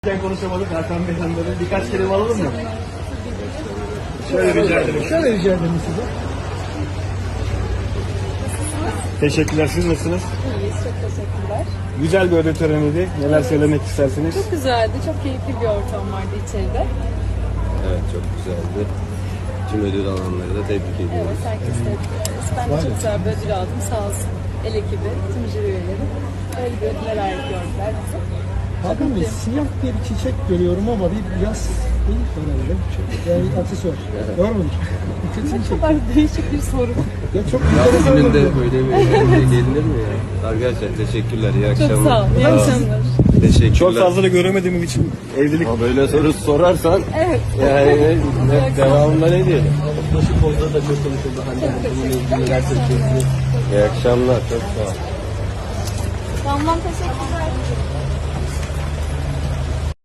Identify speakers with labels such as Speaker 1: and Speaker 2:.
Speaker 1: Konuşamadık Hakan Bey'den böyle birkaç kelime alalım mı? Şöyle rica ederim.
Speaker 2: Şöyle rica ederim size.
Speaker 1: Teşekkürler. Siz nasılsınız?
Speaker 3: İyiyiz, çok teşekkürler.
Speaker 1: Güzel bir ödül töreniydi. Neler söylemek istersiniz?
Speaker 3: Çok güzeldi, çok keyifli bir ortam vardı içeride.
Speaker 4: Evet, çok güzeldi. Tüm ödül alanları da tebrik
Speaker 3: Evet,
Speaker 4: ediyoruz.
Speaker 3: herkes tebrik ederiz. Ben de çok güzel bir ödül aldım, sağ olsun. El ekibi, tüm jüri üyeleri. Öyle bir ödüller layık gördüler bizi.
Speaker 2: Hakan Bey, siyah diye bir çiçek görüyorum ama bir yaz değil herhalde. Yani bir aksesuar. Doğru mudur?
Speaker 3: Ne kadar değişik bir soru.
Speaker 2: Ya çok
Speaker 4: Yaz
Speaker 2: enteresan
Speaker 4: gününde
Speaker 2: oldu.
Speaker 4: böyle bir şey gelinir mi ya? Arkadaşlar teşekkürler, iyi akşamlar.
Speaker 3: Çok sağ ol, iyi akşamlar.
Speaker 4: Teşekkürler.
Speaker 1: Çok fazla da göremediğim için evlilik...
Speaker 4: Ama böyle soru sorarsan
Speaker 3: Evet.
Speaker 4: yani devamında ne diyelim?
Speaker 1: Başı pozda da çok konuşuldu. Bununla neler söyleyeceksiniz?
Speaker 4: İyi akşamlar, çok sağ ol.
Speaker 3: Tamam, teşekkürler.